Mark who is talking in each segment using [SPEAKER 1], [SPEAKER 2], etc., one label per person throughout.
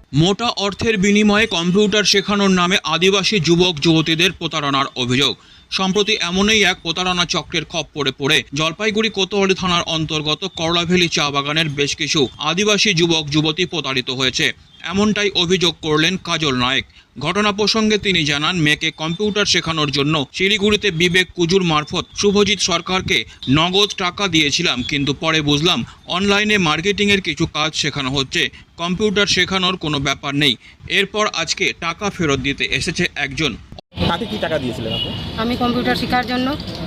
[SPEAKER 1] মোটা অর্থের বিনিময়ে কম্পিউটার শেখানোর নামে আদিবাসী যুবক যুবতীদের প্রতারণার অভিযোগ। সম্প্রতি এমনই এক প্রতারণা চক্রের খপ্পরে পড়ে জলপাইগুড়ি কোতোয়ালি থানার অন্তর্গত করলাভেলি চা বাগানের বেশ কিছু আদিবাসী যুবক যুবতী প্রতারিত হয়েছে, এমনটাই অভিযোগ করলেন কাজল নায়েক। ঘটনা প্রসঙ্গে তিনি জানান, মেয়েকে কম্পিউটার শেখানোর জন্য শিলিগুড়িতে বিবেক কুজুর মারফত শুভজিৎ সরকারকে নগদ টাকা দিয়েছিলাম, কিন্তু পরে বুঝলাম অনলাইনে মার্কেটিংয়ের কিছু কাজ শেখানো হচ্ছে, কম্পিউটার শেখানোর কোনো ব্যাপার নেই। এরপর আজকে টাকা ফেরত দিতে এসেছে একজন।
[SPEAKER 2] তাকে কি টাকা দিয়েছিলেন আপনি?
[SPEAKER 3] আমি কম্পিউটার শেখার জন্য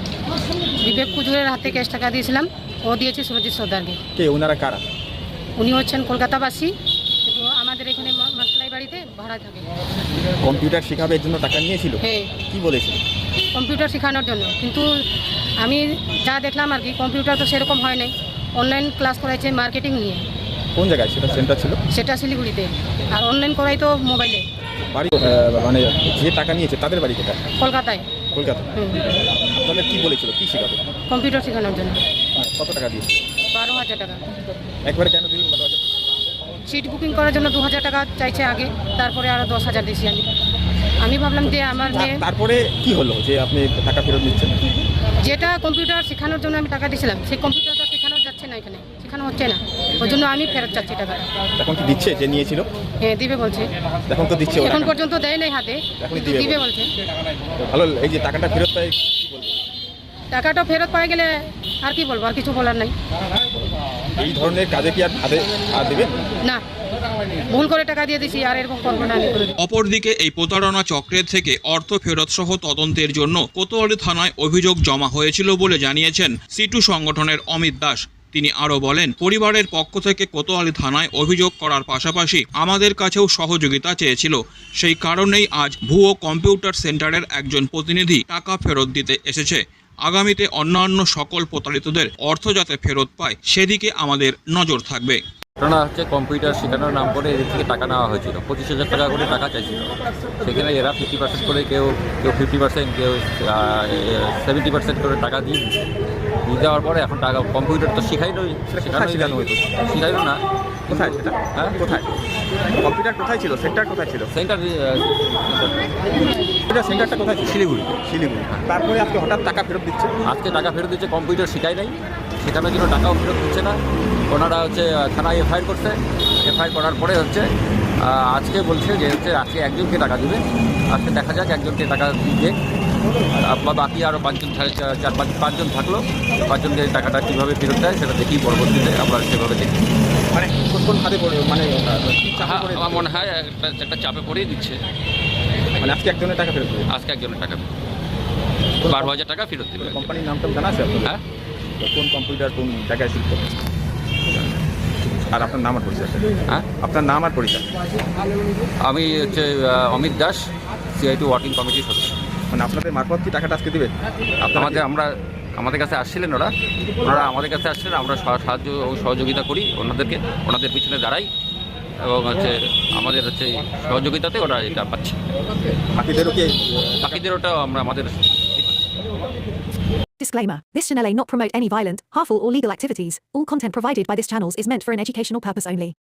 [SPEAKER 3] বিবেক কুজুরের হাতে ক্যাশ টাকা দিয়েছিলাম, ও দিয়েছে সুরজিৎ সর্দারকে।
[SPEAKER 2] কে ওনারা কারা?
[SPEAKER 3] উনি হচ্ছেন কলকাতাবাসী, কিন্তু আমাদের এখানে মাসলাই বাড়িতে ভাড়া থাকে।
[SPEAKER 2] কম্পিউটার শেখাবে এর জন্য টাকা নিয়েছিল?
[SPEAKER 3] হ্যাঁ,
[SPEAKER 2] কি বলেছিল?
[SPEAKER 3] কম্পিউটার শেখানোর জন্য, কিন্তু আমি যা দেখলাম আর কি, কম্পিউটার তো সেরকম হয় নাই, অনলাইন ক্লাস করাইছে মার্কেটিং নিয়ে।
[SPEAKER 2] কোন জায়গায় সেটা সেন্টার ছিল?
[SPEAKER 3] সেটা শিলিগুড়িতে, আর অনলাইন করাই তো মোবাইলে।
[SPEAKER 2] বাড়ি মানে যে টাকা নিয়েছে তাদের বাড়ি কোথায়?
[SPEAKER 3] কলকাতায়।
[SPEAKER 2] কলকাতা। আপনাদের কি বলেছিল, কি শেখাবে?
[SPEAKER 3] কম্পিউটার শেখানোর জন্য।
[SPEAKER 2] কত টাকা দিয়েছিল?
[SPEAKER 3] 12,000 টাকা।
[SPEAKER 2] একবারে কেন দিলেন 12,000?
[SPEAKER 3] সিট বুকিং করার জন্য 2,000 টাকা চাইছে আগে, তারপরে আরও 10,000 দিয়েছি আমি ভাবলাম যে আমার মেয়ে।
[SPEAKER 2] তারপরে কি হলো যে আপনি টাকা ফেরত দিচ্ছেন?
[SPEAKER 3] যেটা কম্পিউটার শেখানোর জন্য আমি টাকা দিয়েছিলাম, সেই কম্পিউটারটা শেখানো যাচ্ছে না, এখানে শেখানো হচ্ছে না, ওই জন্য আমি ফেরত চাচ্ছি টাকা।
[SPEAKER 2] এখন কি দিচ্ছে যে নিয়েছিল?
[SPEAKER 3] হ্যাঁ, দিবে বলছে।
[SPEAKER 2] এখন তো দিচ্ছে,
[SPEAKER 3] এখন পর্যন্ত দেয় নাই হাতে,
[SPEAKER 2] এখনই
[SPEAKER 3] দিবে বলছে।
[SPEAKER 2] ভালো, এই যে টাকাটা ফেরত পাই কি বলবো?
[SPEAKER 3] টাকাটা ফেরত পাই গেলে আর কি বলবো, আর কিছু বলার নাই।
[SPEAKER 2] এই ধরনের কাজে কি আর দেবেন
[SPEAKER 3] না, ভুল করে টাকা দিয়ে দিছি, আর এরকম করবো না আমি।
[SPEAKER 1] অপরদিকে এই প্রতারণা চক্রের থেকে অর্থ ফেরত সহ তদন্তের জন্য কোতোয়ালি থানায় অভিযোগ জমা হয়েছিল বলে জানিয়েছেন সিটু সংগঠনের অমিত দাস। তিনি আরও বলেন, পরিবারের পক্ষ থেকে কোতোয়ালি থানায় অভিযোগ করার পাশাপাশি আমাদের কাছেও সহযোগিতা চেয়েছিল, সেই কারণেই আজ ভুয়ো কম্পিউটার সেন্টারের একজন প্রতিনিধি টাকা ফেরত দিতে এসেছে। আগামীতে অন্যান্য সকল প্রতারিতদের অর্থ যাতে ফেরত পায় সেদিকে আমাদের নজর থাকবে।
[SPEAKER 4] ঘটনা হচ্ছে, কম্পিউটার শেখানোর নাম করে এদের থেকে টাকা নেওয়া হয়েছিল, 25,000 টাকা করে টাকা চাইছিল। সেখানে এরা 50% করে, কেউ 50%, কেউ 70% করে টাকা দিয়ে দেওয়ার পরে এখন টাকা কম্পিউটার তো শেখাইলো না।
[SPEAKER 2] কোথায় সেটা?
[SPEAKER 4] হ্যাঁ,
[SPEAKER 2] কোথায় কম্পিউটার কোথায় ছিল? সেন্টার কোথায় ছিল? সেন্টারটা কোথায় ছিল?
[SPEAKER 4] শিলিগুড়ি।
[SPEAKER 2] তারপরে আজকে হঠাৎ টাকা ফেরত দিচ্ছে?
[SPEAKER 4] আজকে টাকা ফেরত দিচ্ছে, কম্পিউটার শেখাই নাই, শেখানোর জন্য টাকাও ফেরত দিচ্ছে না। ওনারা হচ্ছে থানায় এফআইআর করছে, এফআইআর করার পরে হচ্ছে আজকে বলছে যে হচ্ছে আজকে একজনকে টাকা দিবে। আজকে দেখা যাক একজনকে টাকা দিয়ে, বা বাকি আরও 5জন থাকলো, 5জনকে টাকাটা কীভাবে ফেরত দেয় সেটা দেখি, পরবর্তীতে আমরা সেভাবে দেখি।
[SPEAKER 2] মানে কোন হাতে পড়ে, মানে
[SPEAKER 4] আমার মনে হয় একটা চাপে পড়েই দিচ্ছে।
[SPEAKER 2] মানে আজকে একজনের টাকা ফেরত দেবে?
[SPEAKER 4] আজকে একজনের টাকা 12,000 টাকা ফেরত দেবে।
[SPEAKER 2] কোম্পানির নামটা জানা আছে?
[SPEAKER 4] হ্যাঁ,
[SPEAKER 2] কোন কম্পিউটার কোন জায়গায় শিখতে? আর আপনার নাম আর পরিচয়?
[SPEAKER 4] হ্যাঁ,
[SPEAKER 2] আপনার নাম আর পরিচয়?
[SPEAKER 4] আমি হচ্ছে অমিত দাস, CIT ওয়ার্কিং কমিটির সদস্য।
[SPEAKER 2] মানে আপনাদের মারফত কি টাকাটা আজকে দেবে?
[SPEAKER 4] আমাদের কাছে আসছিলেন ওনারা আমাদের কাছে আসছিলেন, আমরা সাহায্য ও সহযোগিতা করি ওনাদেরকে, ওনাদের পিছনে দাঁড়াই, এবং হচ্ছে আমাদের হচ্ছে সহযোগিতাতে ওরা এটা পাচ্ছে। বাকিদের ওটা আমরা আমাদের।
[SPEAKER 5] Disclaimer. This channel may not promote any violent, harmful or legal activities. All content provided by this channel is meant for an educational purpose only.